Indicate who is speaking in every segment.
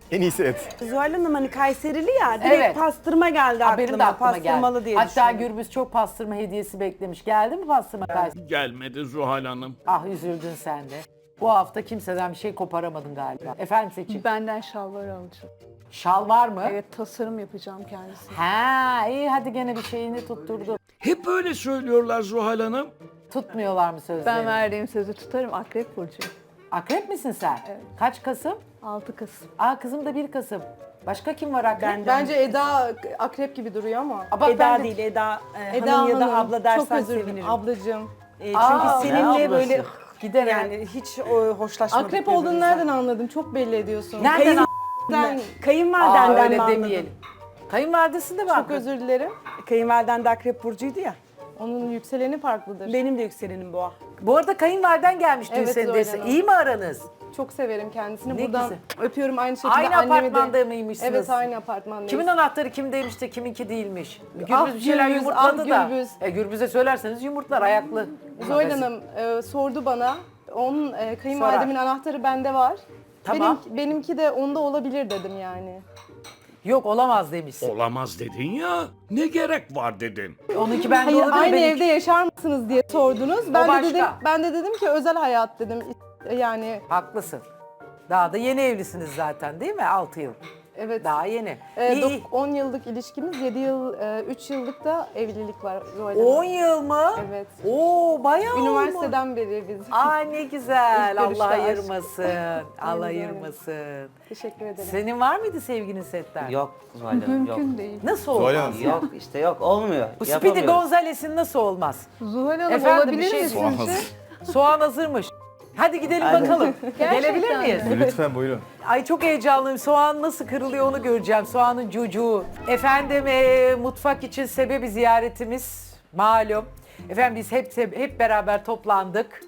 Speaker 1: En iyisi et.
Speaker 2: Zuhal Hanım hani Kayserili ya, direkt
Speaker 3: Evet.
Speaker 2: pastırma geldi aklıma.
Speaker 3: Benim de aklıma
Speaker 2: Pastırmalı
Speaker 3: geldi.
Speaker 2: diye
Speaker 3: Hatta
Speaker 2: düşündüm.
Speaker 3: Gürbüz çok pastırma hediyesi beklemiş. Geldi mi pastırma Kayseri?
Speaker 4: Gelmedi Zuhal Hanım.
Speaker 3: Ah üzüldün sen de. Bu hafta kimseden bir şey koparamadın galiba. Efendim Seçim?
Speaker 5: Benden şalvar alacağım.
Speaker 3: Şal var mı?
Speaker 5: Evet, tasarım yapacağım kendisi.
Speaker 3: Ha iyi hadi gene bir şeyini tutturdu.
Speaker 4: Hep öyle söylüyorlar Zuhal Hanım.
Speaker 3: Tutmuyorlar mı sözlerini?
Speaker 5: Ben verdiğim sözü tutarım. Akrep burcu.
Speaker 3: Akrep misin sen?
Speaker 5: Evet.
Speaker 3: Kaç Kasım?
Speaker 5: 6 Kasım.
Speaker 3: Aa kızım da 1 Kasım. Başka kim var akrep?
Speaker 6: Bence Eda akrep gibi duruyor ama.
Speaker 3: Aa, bak
Speaker 2: Eda
Speaker 3: ben de-
Speaker 2: değil, Eda,
Speaker 6: Eda
Speaker 2: hanım ya da
Speaker 6: Hanım,
Speaker 2: abla
Speaker 6: çok
Speaker 2: dersen
Speaker 6: özür dilerim.
Speaker 2: sevinirim.
Speaker 6: Ablacığım.
Speaker 2: Çünkü
Speaker 3: Aa, ne
Speaker 2: seninle
Speaker 3: ablası?
Speaker 2: böyle
Speaker 3: Gider
Speaker 2: yani hiç hoşlaşmadık.
Speaker 6: Akrep olduğunu
Speaker 2: birbirimizden.
Speaker 6: nereden anladım? Çok belli ediyorsun.
Speaker 3: Nereden
Speaker 6: Ben
Speaker 2: Kayınvalidenden
Speaker 3: öyle
Speaker 2: mi anladın?
Speaker 3: demeyelim. Kayınvalidesi de var.
Speaker 6: çok özür dilerim.
Speaker 2: Kayınvaliden de akrep burcuydu ya.
Speaker 6: Onun yükseleni farklıdır.
Speaker 2: Benim de yükselenim boğa.
Speaker 3: Bu arada kayınvaliden gelmiş dün
Speaker 6: Evet,
Speaker 3: senin
Speaker 6: Zuhal
Speaker 3: dese.
Speaker 6: Hanım.
Speaker 3: İyi mi aranız?
Speaker 6: Çok severim kendisini.
Speaker 3: Ne
Speaker 6: Buradan
Speaker 3: güzel.
Speaker 6: öpüyorum aynı şekilde
Speaker 3: Aynı
Speaker 6: annemi de.
Speaker 3: apartmanda mıymışsınız?
Speaker 6: Evet, aynı apartmandayız.
Speaker 3: Kimin anahtarı kimdeymiş de kiminki değilmiş? Gürbüz
Speaker 6: Ah,
Speaker 3: bir şeyler
Speaker 6: Gürbüz,
Speaker 3: yumurtladı
Speaker 6: ah,
Speaker 3: da.
Speaker 6: Gürbüz.
Speaker 3: Gürbüz'e söylerseniz yumurtlar ayaklı.
Speaker 6: Zuhal Hanım sordu bana. Onun kayınvalidemin anahtarı bende var.
Speaker 3: Tamam.
Speaker 6: Benimki de onda olabilir dedim yani.
Speaker 3: Yok olamaz demişsin.
Speaker 4: Olamaz dedin ya. Ne gerek var dedin.
Speaker 3: Onunki bende
Speaker 6: Hayır,
Speaker 3: olabilir.
Speaker 6: aynı
Speaker 3: benimki-
Speaker 6: evde yaşar mısınız diye sordunuz.
Speaker 3: başka.
Speaker 6: Ben de dedim ki özel hayat dedim. Yani
Speaker 3: Haklısın. Daha da yeni evlisiniz zaten değil mi? 6 yıl.
Speaker 6: evet.
Speaker 3: Daha yeni. İyi.
Speaker 6: 10 yıllık ilişkimiz, 7 yıl, 3 yıllık da evlilik var Zuhal Hanım.
Speaker 3: 10 yıl mı?
Speaker 6: Evet.
Speaker 3: Oo bayağı olmuş.
Speaker 6: Üniversiteden beri biz.
Speaker 3: Aa ne güzel.
Speaker 6: İlk görüşte
Speaker 3: Allah
Speaker 6: aşk.
Speaker 3: ayırmasın. Allah
Speaker 6: Aynen.
Speaker 3: ayırmasın.
Speaker 6: Teşekkür ederim.
Speaker 3: Senin var mıydı sevginin setten?
Speaker 7: Yok Zuhal Hanım yok.
Speaker 5: Mümkün değil.
Speaker 3: Nasıl
Speaker 1: Zuhal
Speaker 3: olmaz?
Speaker 1: Hanım.
Speaker 7: Yok işte yok olmuyor.
Speaker 3: Bu Speedy
Speaker 7: Yapamıyoruz.
Speaker 3: Gonzales'in nasıl olmaz?
Speaker 5: Zuhal Hanım
Speaker 3: Efendim,
Speaker 5: olabilir
Speaker 3: bir şey
Speaker 5: mi
Speaker 1: Soğan
Speaker 5: sizce?
Speaker 1: hazır.
Speaker 3: Soğan hazırmış. Hadi gidelim
Speaker 7: Hadi.
Speaker 3: bakalım.
Speaker 5: Gerçekten
Speaker 3: Gelebilir miyiz?
Speaker 5: mi?
Speaker 1: Lütfen buyurun.
Speaker 3: Ay çok heyecanlıyım. Soğan nasıl kırılıyor onu göreceğim. Soğanın cucuğu. Efendim mutfak için sebebi ziyaretimiz malum. Efendim biz hep beraber toplandık.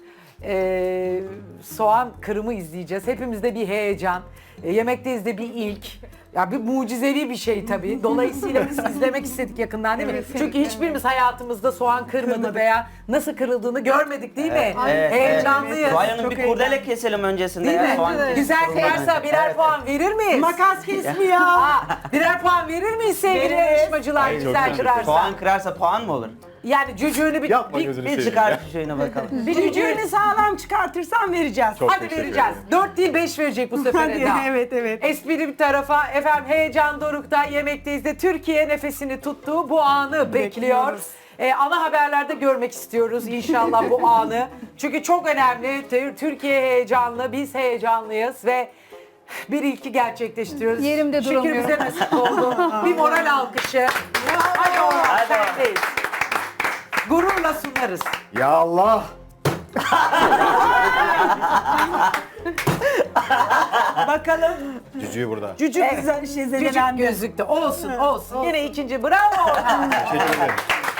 Speaker 3: Soğan kırımı izleyeceğiz. Hepimizde bir heyecan. Yemekteyiz de bir ilk. Ya bir mucizevi bir şey tabii. Dolayısıyla biz izlemek istedik yakından değil mi? Çünkü hiçbirimiz hayatımızda soğan kırmadı veya nasıl kırıldığını görmedik değil mi? Heyecanlıyız.
Speaker 7: Zuhal Hanım
Speaker 3: Çok
Speaker 7: bir
Speaker 3: heyecanlı.
Speaker 7: kurdele keselim öncesinde
Speaker 3: Değil
Speaker 7: ya.
Speaker 3: mi?
Speaker 7: Soğan
Speaker 3: Güzel kıyarsa birer
Speaker 7: Evet.
Speaker 3: puan verir miyiz?
Speaker 2: Makas kesmiyor.
Speaker 3: Birer puan verir miyiz sevgili yarışmacılar
Speaker 1: Ay, çok
Speaker 3: güzel
Speaker 1: teşekkür
Speaker 3: kırarsa?
Speaker 7: Soğan kırarsa puan mı olur?
Speaker 3: Yani cücüğünü
Speaker 1: Yapma
Speaker 3: bir
Speaker 1: gözünü
Speaker 7: Bir
Speaker 1: seveyim
Speaker 7: çıkar
Speaker 1: ya.
Speaker 7: şöyle bakalım.
Speaker 3: bir cücüğünü
Speaker 2: Cücüğünü sağlam çıkartırsan vereceğiz.
Speaker 1: Çok
Speaker 3: hadi
Speaker 1: teşekkür
Speaker 3: vereceğiz.
Speaker 1: ederim.
Speaker 3: 4 değil 5 verecek bu sefer
Speaker 2: Hadi,
Speaker 3: Eda.
Speaker 2: evet, evet.
Speaker 3: Espri bir tarafa efendim heyecan dorukta yemekteyiz de Türkiye nefesini tuttuğu bu anı bekliyor.
Speaker 2: Bekliyoruz.
Speaker 3: Ana haberlerde görmek istiyoruz inşallah bu anı. Çünkü çok önemli. Türkiye heyecanlı, biz heyecanlıyız ve bir ilki gerçekleştiriyoruz.
Speaker 5: Yerimde
Speaker 3: Şükür
Speaker 5: duramıyorum.
Speaker 3: bize nasip oldu. Bir moral alkışı. Hadi oğlum sendeyiz. Gururla sunarız.
Speaker 1: Ya Allah.
Speaker 2: Bakalım.
Speaker 1: Cücüğü burada.
Speaker 2: Cücük güzel şey
Speaker 3: Cücük
Speaker 2: zedelendi.
Speaker 3: gözlükte. Olsun, olsun. Yine ikinci. Bravo Orhan.
Speaker 1: Teşekkür ederim.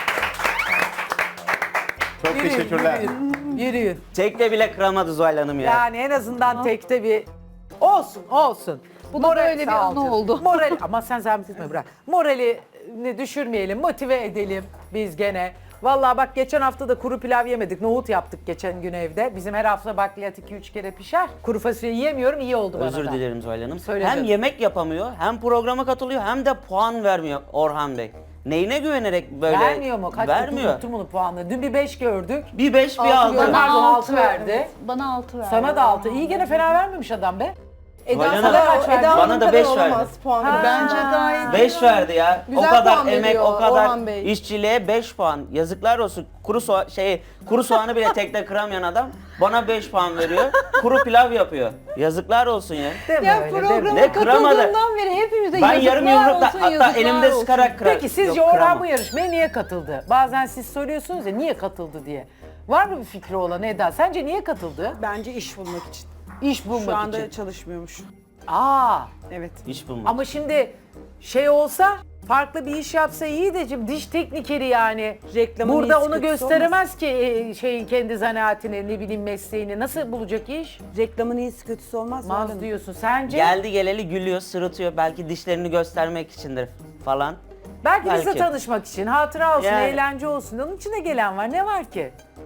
Speaker 1: Çok teşekkürler.
Speaker 3: Yürüyün.
Speaker 7: Tekte bile kıramadı Zuhal Hanım ya.
Speaker 3: Yani en azından tekte bir olsun, olsun.
Speaker 5: Bu da böyle bir
Speaker 3: sağ ol
Speaker 5: anı
Speaker 3: canım.
Speaker 5: oldu.
Speaker 3: Moral ama sen zahmet etme bırak. Moralini düşürmeyelim, motive edelim biz gene. Vallahi bak geçen hafta da kuru pilav yemedik. Nohut yaptık geçen gün evde. Bizim her hafta bakliyat 2-3 kere pişer. Kuru fasulye yiyemiyorum, iyi oldu bana
Speaker 7: Özür
Speaker 3: da.
Speaker 7: dilerim Zuhal Hanım.
Speaker 3: Söyle
Speaker 7: Hem
Speaker 3: canım.
Speaker 7: yemek yapamıyor, hem programa katılıyor, hem de puan vermiyor Orhan Bey. Neyine güvenerek böyle
Speaker 3: Vermiyor mu? Kaç
Speaker 7: vermiyor.
Speaker 3: unuttum onu puanını. Dün bir 5 gördük.
Speaker 7: Bir 5 bir
Speaker 3: Altı
Speaker 7: 6.
Speaker 3: gördüm. Pardon, altı verdi.
Speaker 5: Bana 6 verdi.
Speaker 3: Sana da 6. İyi gene fena vermemiş adam be.
Speaker 6: Eda
Speaker 7: Zuhal
Speaker 6: sana
Speaker 7: Hanım,
Speaker 6: kaç verdi?
Speaker 7: bana
Speaker 6: Hanım
Speaker 7: da
Speaker 6: kadar
Speaker 7: beş
Speaker 6: olamaz
Speaker 7: verdi.
Speaker 6: puanı.
Speaker 5: Bence gayet
Speaker 7: 5 verdi ya.
Speaker 6: Güzel
Speaker 7: o kadar
Speaker 6: puan
Speaker 7: emek,
Speaker 6: veriyor
Speaker 7: o kadar
Speaker 6: Orhan Bey.
Speaker 7: işçiliğe 5 puan. Yazıklar olsun. Kuru soğanı bile tekte kıramayan adam bana 5 puan veriyor. Kuru pilav yapıyor. Yazıklar olsun ya.
Speaker 3: Deme
Speaker 5: Ya
Speaker 3: öyle, deme.
Speaker 5: programa
Speaker 7: Ne kıramadı?
Speaker 5: katıldığından beri hepimize
Speaker 7: Ben
Speaker 5: yazıklar
Speaker 7: yarım yumrukla
Speaker 5: olsun,
Speaker 7: hatta
Speaker 5: yazıklar
Speaker 7: elimde
Speaker 5: olsun.
Speaker 7: sıkarak kırar.
Speaker 3: Peki sizce
Speaker 7: Yok,
Speaker 3: Orhan
Speaker 7: kıramam.
Speaker 3: bu yarışmaya niye katıldı? Bazen siz soruyorsunuz ya niye katıldı diye. Var mı bir fikri olan Eda? Sence niye katıldı?
Speaker 2: Bence iş bulmak için.
Speaker 3: İş bulmak
Speaker 2: Şu anda
Speaker 3: için.
Speaker 2: çalışmıyormuş.
Speaker 3: Aa,
Speaker 2: Evet.
Speaker 7: İş bulmak.
Speaker 3: ama şimdi şey olsa farklı bir iş yapsa iyi de şimdi diş teknikeri yani.
Speaker 2: Reklamın
Speaker 3: Burada
Speaker 2: iyisi
Speaker 3: onu
Speaker 2: kötüsü
Speaker 3: gösteremez ki şeyin kendi zanaatini ne bileyim mesleğini. Nasıl bulacak iş?
Speaker 2: Reklamın iyisi kötüsü olmaz mı?
Speaker 3: Maz diyorsun. Sence?
Speaker 7: Geldi geleli gülüyor, sırıtıyor. Belki dişlerini göstermek içindir falan.
Speaker 3: Belki bizle
Speaker 7: belki.
Speaker 3: tanışmak için, hatıra olsun,
Speaker 7: Yani.
Speaker 3: eğlence olsun. Onun için de gelen var. Ne var ki?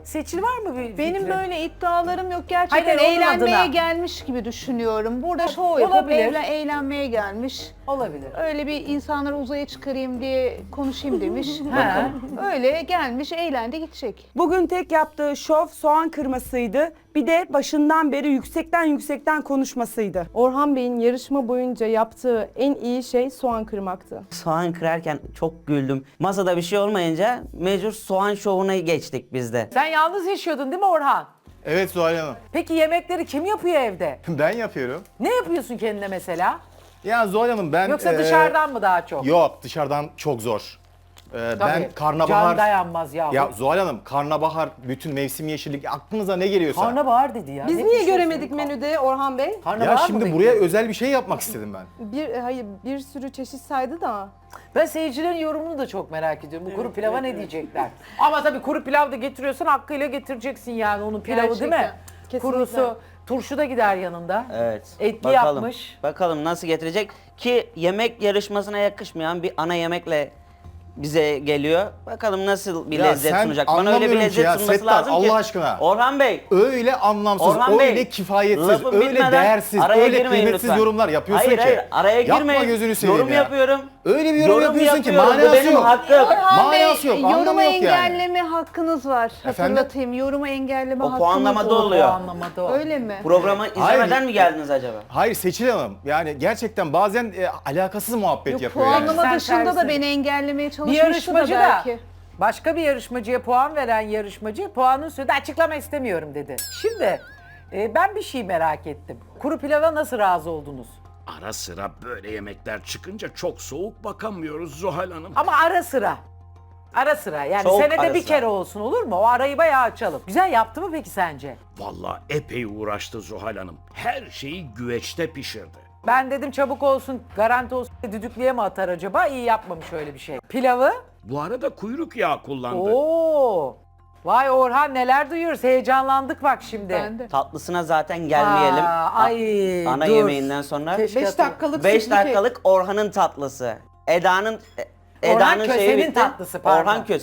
Speaker 3: Seçil var mı bir
Speaker 5: Benim
Speaker 3: fikrin?
Speaker 5: böyle iddialarım yok. Gerçekten
Speaker 3: Hayır, onun
Speaker 5: eğlenmeye
Speaker 3: adına.
Speaker 5: gelmiş gibi düşünüyorum. Burada şov yapıp
Speaker 3: olabilir.
Speaker 5: eğlenmeye gelmiş.
Speaker 3: Olabilir.
Speaker 5: Öyle bir insanları uzaya çıkarayım diye konuşayım demiş.
Speaker 3: Ha.
Speaker 5: Öyle gelmiş, eğlendi gidecek.
Speaker 2: Bugün tek yaptığı şov soğan kırmasıydı. Bir de başından beri yüksekten konuşmasıydı.
Speaker 6: Orhan Bey'in yarışma boyunca yaptığı en iyi şey soğan kırmaktı.
Speaker 7: Soğan kırarken çok güldüm. Masada bir şey olmayınca mecbur soğan şovuna geçtik biz de.
Speaker 3: Sen yalnız yaşıyordun değil mi Orhan?
Speaker 1: Evet Zuhal Hanım.
Speaker 3: Peki yemekleri kim yapıyor evde?
Speaker 1: Ben yapıyorum.
Speaker 3: Ne yapıyorsun kendine mesela?
Speaker 1: Ya Zuhal Hanım ben...
Speaker 3: Yoksa dışarıdan mı daha çok?
Speaker 1: Yok dışarıdan çok zor. Ben
Speaker 3: Tabii.
Speaker 1: karnabahar...
Speaker 3: Can dayanmaz yahu.
Speaker 1: Ya Zuhal Hanım karnabahar, bütün mevsim yeşillik aklınıza ne geliyorsa.
Speaker 3: Karnabahar dedi ya.
Speaker 6: Biz
Speaker 3: Ne
Speaker 6: niye
Speaker 3: pişiyorsun?
Speaker 6: göremedik menüde Orhan Bey?
Speaker 3: Karnabahar
Speaker 1: Ya
Speaker 3: mı
Speaker 1: şimdi buraya
Speaker 3: bekliyorsun?
Speaker 1: özel bir şey yapmak istedim ben.
Speaker 6: Bir sürü çeşit saydı da.
Speaker 3: Ben seyircilerin yorumunu da çok merak ediyorum. Bu kuru pilava ne diyecekler? Ama tabii kuru pilav da getiriyorsan hakkıyla getireceksin yani onun pilavı değil mi?
Speaker 6: Gerçekten, kesinlikle.
Speaker 3: Kurusu, turşu da gider yanında.
Speaker 7: Evet.
Speaker 3: Etli yapmış.
Speaker 7: Bakalım nasıl getirecek ki yemek yarışmasına yakışmayan bir ana yemekle bize geliyor. Bakalım nasıl bir
Speaker 1: Ya
Speaker 7: lezzet
Speaker 1: sen
Speaker 7: sunacak. Bana öyle bir
Speaker 1: anlamıyorum ki
Speaker 7: lezzet
Speaker 1: ya,
Speaker 7: sunması
Speaker 1: Settar,
Speaker 7: lazım ki.
Speaker 1: Allah aşkına.
Speaker 7: Orhan Bey.
Speaker 1: Öyle anlamsız,
Speaker 7: Orhan Bey,
Speaker 1: öyle kifayetsiz,
Speaker 7: lafım
Speaker 1: öyle
Speaker 7: bitmeden
Speaker 1: değersiz,
Speaker 7: araya
Speaker 1: öyle
Speaker 7: girmeyin
Speaker 1: kıymetsiz
Speaker 7: lütfen.
Speaker 1: yorumlar yapıyorsun
Speaker 7: Hayır,
Speaker 1: ki.
Speaker 7: hayır, araya girmeyin.
Speaker 1: Yapma gözünü seveyim
Speaker 7: Yorum
Speaker 1: ya.
Speaker 7: yapıyorum.
Speaker 1: Öyle bir yorum yapıyorsun ki
Speaker 7: yapıyorum. Bu
Speaker 1: manası
Speaker 7: benim
Speaker 1: yok.
Speaker 7: hakkım.
Speaker 5: Orhan Bey,
Speaker 1: Manası yok, anlamı
Speaker 5: yoruma
Speaker 1: yok yani.
Speaker 5: engelleme hakkınız var.
Speaker 1: Efendim?
Speaker 5: Hatırlatayım, yoruma engelleme
Speaker 7: O
Speaker 5: hakkınız
Speaker 7: puanlamada
Speaker 5: var.
Speaker 7: oluyor.
Speaker 3: Anlamadı o.
Speaker 5: Öyle mi?
Speaker 7: Programı izlemeden mi geldiniz acaba?
Speaker 1: Hayır Seçil Hanım, yani gerçekten bazen alakasız muhabbet
Speaker 5: Yok,
Speaker 1: yapıyor yani.
Speaker 5: puanlama
Speaker 3: Sen
Speaker 5: dışında
Speaker 3: tersi.
Speaker 5: da beni engellemeye
Speaker 3: Bir
Speaker 5: çalışmıştı da
Speaker 3: yarışmacı da
Speaker 5: belki.
Speaker 3: başka bir yarışmacıya puan veren yarışmacı puanın üstünde açıklama istemiyorum dedi. Şimdi ben bir şey merak ettim. Kuru pilava nasıl razı oldunuz?
Speaker 4: Ara sıra böyle yemekler çıkınca çok soğuk bakamıyoruz Zuhal Hanım.
Speaker 3: Ama ara sıra. Ara sıra yani
Speaker 7: Soğuk
Speaker 3: senede
Speaker 7: ara
Speaker 3: bir
Speaker 7: sıra.
Speaker 3: kere olsun olur mu? O arayı bayağı açalım. Güzel yaptı mı peki sence?
Speaker 4: Vallahi epey uğraştı Zuhal Hanım. Her şeyi güveçte pişirdi.
Speaker 3: Ben dedim çabuk olsun, garanti olsun, düdüklüye mi atar acaba? İyi yapmamış öyle bir şey. Pilavı?
Speaker 4: Bu arada kuyruk yağı kullandı.
Speaker 3: Oo! Vay Orhan neler duyuyoruz. Heyecanlandık bak şimdi.
Speaker 5: Ben de.
Speaker 7: Tatlısına zaten gelmeyelim.
Speaker 3: Aa, ay,
Speaker 7: Ana
Speaker 3: dur.
Speaker 7: yemeğinden sonra.
Speaker 3: Keşke
Speaker 6: 5 dakikalık
Speaker 7: 5
Speaker 6: sütlü kek.
Speaker 7: dakikalık Orhan'ın tatlısı. Eda'nın
Speaker 3: Köse'nin
Speaker 7: bitti.
Speaker 3: tatlısı, pardon.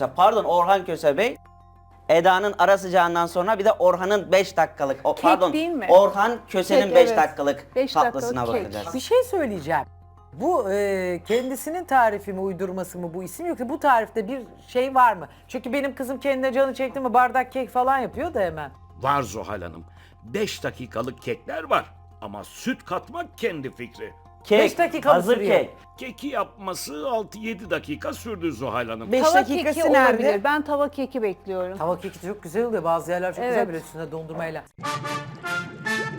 Speaker 7: Orhan Köse Bey. Eda'nın ara sıcağından sonra bir de Orhan'ın 5 dakikalık.
Speaker 5: değil mi?
Speaker 7: Orhan Köse'nin
Speaker 6: Kek,
Speaker 7: 5
Speaker 6: evet.
Speaker 7: dakikalık
Speaker 5: 5
Speaker 7: tatlısına
Speaker 5: dakikalık kek.
Speaker 7: bakacağız.
Speaker 3: Bir şey söyleyeceğim. Bu kendisinin tarifi mi, uydurması mı bu isim yoksa bu tarifte bir şey var mı? Çünkü benim kızım kendine canı çekti mi bardak kek falan yapıyor da hemen.
Speaker 4: Var Zuhal Hanım. 5 dakikalık kekler var. Ama süt katmak kendi fikri.
Speaker 7: Kek,
Speaker 3: 5 dakika mı
Speaker 7: hazır
Speaker 3: sürüyor?
Speaker 7: kek.
Speaker 4: Keki yapması 6-7 dakika sürdü Zuhal Hanım.
Speaker 2: 5
Speaker 5: Tava
Speaker 2: dakikası
Speaker 5: keki
Speaker 2: nerede?
Speaker 5: olabilir. Ben tava keki bekliyorum.
Speaker 3: Tava keki de çok güzel oluyor. Bazı yerler çok güzel
Speaker 5: Evet.
Speaker 3: böyle üstüne dondurmayla.